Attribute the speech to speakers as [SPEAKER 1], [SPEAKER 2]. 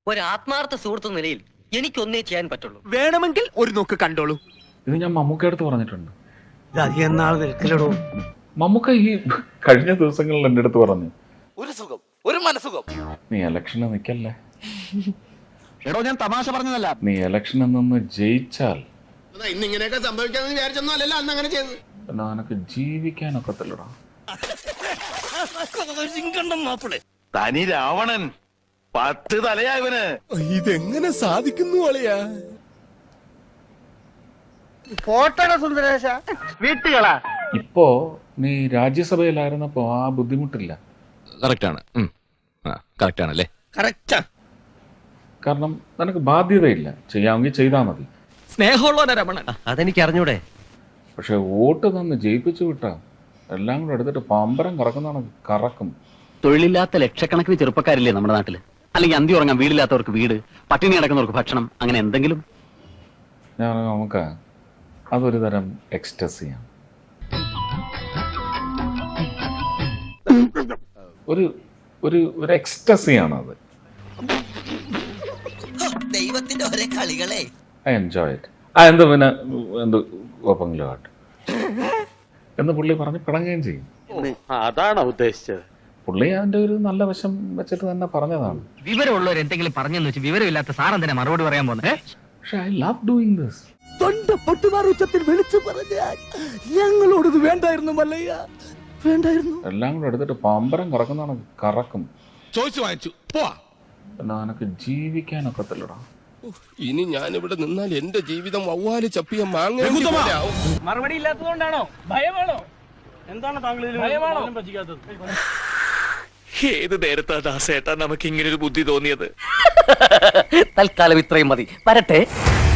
[SPEAKER 1] ഒരു ആത്മാർത്ഥ സുഹൃത്ത് നിലയിൽ എനിക്കൊന്നേ ചെയ്യാൻ പറ്റുള്ളൂ.
[SPEAKER 2] വേണമെങ്കിൽ ഒരു നോക്ക് കണ്ടോളൂ.
[SPEAKER 3] ഇത് ഞാൻ മമ്മൂക്കടുത്ത് പറഞ്ഞിട്ടുണ്ട്.
[SPEAKER 2] അധികം നാൾ നിൽക്കലടോ.
[SPEAKER 3] മമ്മൂക്ക ഈ കഴിഞ്ഞ ദിവസങ്ങളിൽ എൻ്റെ അടുത്ത് പറഞ്ഞു,
[SPEAKER 4] ഒരു സുഖം, ഒരു മനസുഖം.
[SPEAKER 3] നീ ഇലക്ഷന് നിൽക്കല്ലേ,
[SPEAKER 2] എടോ ഞാൻ തമാശ പറഞ്ഞതല്ല.
[SPEAKER 3] നീ ഇലക്ഷനിൽ നിന്ന് ജയിച്ചാൽ
[SPEAKER 4] ഇന്നിങ്ങനെയൊക്കെ സംഭവിക്കാന്ന് വിചാരിച്ചൊന്നും അല്ലല്ലോ അന്ന് അങ്ങനെ ചെയ്തത്.
[SPEAKER 3] പിന്നെ നിനക്ക് ജീവിക്കാനൊക്കത്തില്ലടാ.
[SPEAKER 4] തനി രാവണൻ 10 തലയായവന്
[SPEAKER 5] ഇതെങ്ങനെ സാധിക്കുന്നു അളിയാ?
[SPEAKER 2] പോട്ടട സുന്ദരേശ വീട്ടുകളാ.
[SPEAKER 3] ഇപ്പോ നീ രാജ്യസഭയിലായിരുന്നപ്പോ ആ ബുദ്ധിമുട്ടില്ല.
[SPEAKER 6] കറക്റ്റാണ്, കറക്റ്റാണല്ലേ?
[SPEAKER 2] കറക്റ്റാ.
[SPEAKER 3] കാരണം നിനക്ക് ബാധ്യതയില്ല, ചെയ്യാമെങ്കിൽ ചെയ്താൽ മതി.
[SPEAKER 2] സ്നേഹമുള്ള രമണൻ.
[SPEAKER 1] അതെനിക്ക് അറിഞ്ഞൂടെ.
[SPEAKER 3] പക്ഷെ വോട്ട് തന്ന് ജയിപ്പിച്ചു വിട്ടാ എല്ലാം കൂടെ എടുത്തിട്ട് പമ്പരം കറക്കുന്നതാണ് കറക്കും.
[SPEAKER 7] തൊഴിലില്ലാത്ത ലക്ഷക്കണക്കിന് ചെറുപ്പക്കാരില്ലേ നമ്മുടെ നാട്ടില്? അല്ലെങ്കിൽ അന്തി ഉറങ്ങാൻ വീടില്ലാത്തവർക്ക് വീട്, പട്ടിണി കിടക്കുന്നവർക്ക് ഭക്ഷണം, അങ്ങനെ എന്തെങ്കിലും.
[SPEAKER 3] ഞാൻ നമുക്ക് അതൊരു തരം എക്സ്റ്റസിയാണ്. ഒരു ഒരു ഒരു എക്സ്റ്റസിയാണ് അത്.
[SPEAKER 8] ദൈവത്തിന്റെ ഒരേ കളികളെ.
[SPEAKER 3] I enjoy it. എന്ത് പിന്നെ എന്ത് കുഴപ്പമെങ്കിലും ആട്ടെ എന്ന് പുള്ളി പറഞ്ഞ് പിണങ്ങുകയും ചെയ്യും.
[SPEAKER 2] അതാണോ ഉദ്ദേശിച്ചത്?
[SPEAKER 3] പുള്ളി അതിന്റെ ഒരു നല്ല വശം വെച്ചിട്ട് തന്നെ പറഞ്ഞതാണ്.
[SPEAKER 1] വിവരമുള്ളവർ എന്തെങ്കിലും പറഞ്ഞെന്ന് വെച്ച് വിവരമില്ലാത്ത സാറെന്തിനാ മറുപടി പറയാൻ പോകുന്നത്?
[SPEAKER 3] പക്ഷെ ഐ ലവ് ഡൂയിങ് ദിസ്.
[SPEAKER 5] തൊണ്ട പൊട്ടുമാർ ഉച്ചത്തിൽ വിളിച്ചു പറഞ്ഞാൽ ഞങ്ങളോടത് വേണ്ടായിരുന്നു മല്ലയ്യ, വേണ്ടായിരുന്നു.
[SPEAKER 3] എല്ലാം കൂടെ എടുത്തിട്ട് പമ്പരം കറക്കുന്നതാണ് കറക്കും.
[SPEAKER 5] ചോദിച്ചു വാങ്ങിച്ചു പോവാ.
[SPEAKER 3] പിന്നെ നിനക്ക് ജീവിക്കാനൊക്കത്തില്ലടാ.
[SPEAKER 5] ഇനി ഞാനിവിടെ നിന്നാൽ എന്റെ ജീവിതം വവ്വാല് ചപ്പിയ മാങ്ങ.
[SPEAKER 2] മറുപടി ഇല്ലാത്തതുകൊണ്ടാണോ? ഭയമാണോ? എന്താണ് താങ്കൾ ഭയമാണോ പറ്റിക്കാത്തത്?
[SPEAKER 6] ഏത് നേരത്താ ദാസേട്ടാ നമുക്ക് ഇങ്ങനൊരു ബുദ്ധി തോന്നിയത്?
[SPEAKER 1] തൽക്കാലം ഇത്രയും മതി. വരട്ടെ.